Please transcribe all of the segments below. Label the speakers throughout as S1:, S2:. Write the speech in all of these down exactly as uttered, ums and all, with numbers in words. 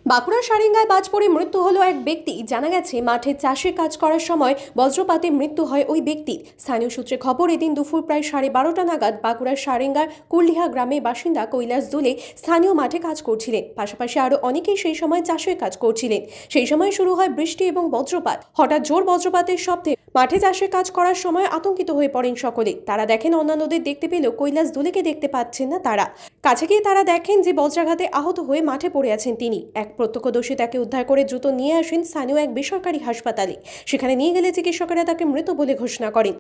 S1: বাঁকুড়ার সারেঙ্গায় বাজ পড়ে মৃত্যু হলো এক ব্যক্তি। জানা গেছে মাঠে চাষে কাজ করার সময় বজ্রপাতে মৃত্যু হয় ওই ব্যক্তির। স্থানীয় সূত্রে খবর, এদিন দুপুর প্রায় সাড়ে বারোটা নাগাদ বাঁকুড়ার সারেঙ্গার কুলডিহা গ্রামের বাসিন্দা কৈলাস দুলে স্থানীয় মাঠে কাজ করছিলেন। পাশাপাশি আরও অনেকেই সেই সময় চাষের কাজ করছিলেন। সেই সময় শুরু হয় বৃষ্টি এবং বজ্রপাত। হঠাৎ জোর বজ্রপাতের শব্দে মাঠে চাষের কাজ করার সময় আতঙ্কিত হয়ে পড়েন সকলে। তারা দেখেন অন্যান্যদের দেখতে পেলেও কৈলাস দুলেকে দেখতে পাচ্ছেন না তারা। কাছে গিয়ে তারা দেখেন যে বজ্রাঘাতে আহত হয়ে মাঠে পড়ে আছেন তিনি। এক প্রত্যক্ষদর্শী তাকে উদ্ধার করে দ্রুত নিয়ে আসেন স্থানীয় এক বেসরকারি হাসপাতালে। সেখানে নিয়ে গেলে চিকিৎসকেরা তাকে মৃত বলে ঘোষণা করেন।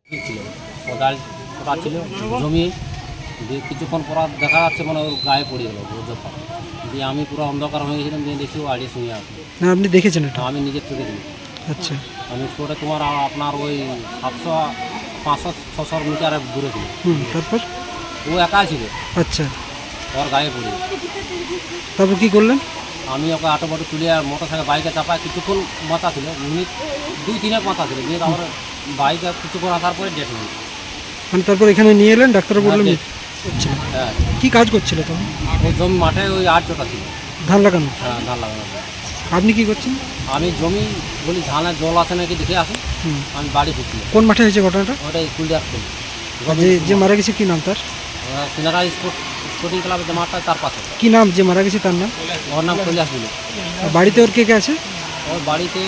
S2: জমি কিছুক্ষণ পর দেখা যাচ্ছে মানে ওর গায়ে পড়ে গেল বজ্রপাত দিয়ে। আমি পুরো অন্ধকার হয়ে গেছিলাম, দিয়ে দেখি ও আড়ি শুয়ে আছে।
S3: না, আপনি দেখেছেন এটা?
S2: আমি নিজের চোখে দেখি।
S3: আচ্ছা,
S2: আমি স্পটে তোমার আপনার ওই সাতশো পাঁচশো ছশো মিটার দূরে ছিল।
S3: হুম, তারপর
S2: ও একা ছিল।
S3: আচ্ছা,
S2: ওর গায়ে পড়ে।
S3: তারপর কি করলেন?
S2: আমি ওকে আটো বাটো তুলে মোটর সাইকেল বাইকে চাপায় কিছুক্ষণ মাথা ছিল, মিনিট দুই তিনেক মাথা ছিল, দিয়ে তারপরে বাইকে কিছুক্ষণ আসার পরে ডেট হয়ে।
S3: মানে তারপর এখানে নিয়ে এলেন, ডাক্তার বললেন? আচ্ছা,
S2: হ্যাঁ।
S3: কি কাজ করছিল তখন?
S2: ওই জমি মাঠে ওই আট জোটা ছিল,
S3: ধান লাগানো।
S2: হ্যাঁ, ধান লাগানো।
S3: আপনি কি করছেন?
S2: আমি জমি বলি ধানের জল আছে নাকি দেখে আসি। আমি বাড়ি ফিরছি।
S3: কোন মাঠে হয়েছে ঘটনাটা?
S2: ওটাই কুলডিয়া স্কুল।
S3: যে যে মারা গেছে কি নাম তার?
S2: সিনারা স্পোর্ট স্পোর্টিং ক্লাবের যে মাঠটা তার পাশে।
S3: কি নাম যে মারা গেছে তার নাম?
S2: ওর নাম কৈলাস দুলে।
S3: বাড়িতে ওর কে কে আছে?
S2: ওর বাড়িতে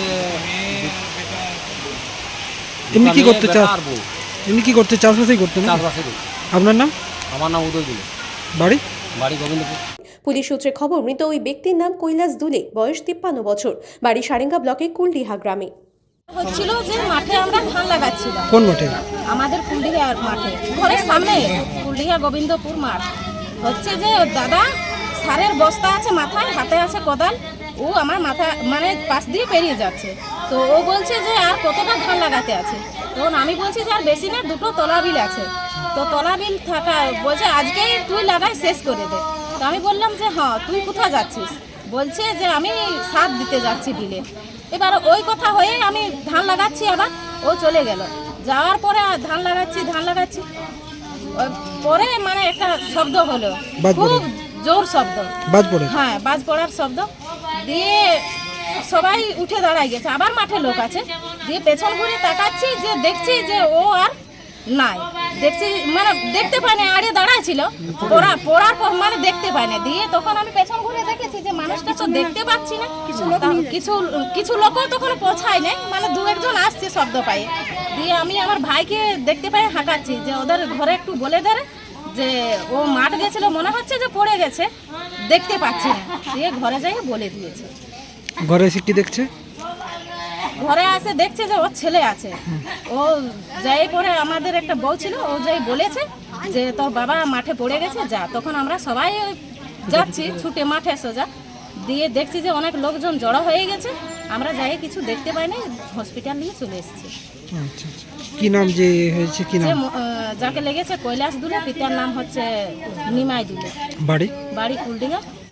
S3: এমনি কি করতে চাষ? এমনি কি করতে চাষবাসই করতে না?
S2: চাষবাসই করতে।
S3: আপনার নাম?
S2: আমার নাম উদয় দুলে।
S3: বাড়ি?
S2: বাড়ি গোবিন্দপুর।
S1: পুলিশ সূত্রে খবর, মৃত ওই ব্যক্তির নাম কৈলাস দুলে, বয়স তিপ্পান্ন বছর, বাড়ি সারেঙ্গা ব্লকের কুলডিহা গ্রামে।
S4: হচ্ছিল যে মাঠে আমরা ধান লাগাচ্ছিলাম।
S3: কোন মাঠে?
S4: আমাদের কুলডিহা মাঠে, ঘরের সামনে কুলডিহা গোবিন্দপুর মাঠ। হচ্ছে যে দাদা সারের বস্তা আছে মাথায়, হাতে আছে কোদাল, ও আমার মাথা মানে পাশ দিয়ে পেরিয়ে যাচ্ছে। তো ও বলছে যে আর কতটা ধান লাগাতে আছে। তখন আমি বলছি যে আর বেশি না, দুটো তলাবিল আছে। তো তলাবিল থাকা বলছে আজকেই তুই লাগাই শেষ করে দে। তো আমি বললাম যে হ্যাঁ, তুই কোথায় যাচ্ছিস? বলছে যে আমি সার দিতে যাচ্ছি বিলে। এবার ওই কথা হয়ে আমি ধান লাগাচ্ছি, আবার ও চলে গেল। যাওয়ার পরে ধান লাগাচ্ছি ধান লাগাচ্ছি পরে মানে একটা শব্দ হলো, খুব জোর শব্দ,
S3: বাজ পড়ে।
S4: হ্যাঁ, বাজ পড়ার শব্দ দিয়ে সবাই উঠে দাঁড়ায় গেছে। আবার মাঠে লোক আছে, দিয়ে পেছন ঘুরে তাকাচ্ছি, যে দেখছি যে ও আর নাই। দেখছি মানে দেখতে পাই না, আড়ে দাঁড়ায় ছিল, পড়া পড়ার পর মানে দেখতে পাই না। দিয়ে তখন আমি পেছন ঘুরে দেখেছি যে মানুষটা তো দেখতে পাচ্ছি না। কিছু কিছু কিছু লোকও তখন পৌঁছায় নাই, মানে দু একজন আসছে শব্দ পাই। দিয়ে আমি আমার ভাইকে দেখতে পাই হাঁকাচ্ছি, যে ওদের ঘরে একটু বলে দেয় যে ও মাঠ গেছিল, মনে হচ্ছে যে পড়ে গেছে, দেখতে পাচ্ছি না। দিয়ে ঘরে যাই বলে দিয়েছে।
S3: ঘরে এসে কি দেখছে?
S4: ঘরে আসে দেখছে যে ওর ছেলে আছে। ও যাই পরে আমাদের একটা বউ ছিল, ও যাই বলেছে যে তোর বাবা মাঠে পড়ে গেছে, যা। তখন আমরা সবাই যাচ্ছি ছুটে মাঠে সোজা, দিয়ে দেখছি যে অনেক লোকজন জড়ো হয়ে গেছে। আমরা যাই কিছু দেখতে পাইনি, হসপিটাল নিয়ে চলে এসেছি।
S3: আচ্ছা, কি নাম যে হয়েছে? কি নাম?
S4: যাকে লেগেছে কৈলাস দুলে, পিতার নাম হচ্ছে নিমাই দুলে,
S3: বাড়ি?
S4: বাড়ি কুলডিহা।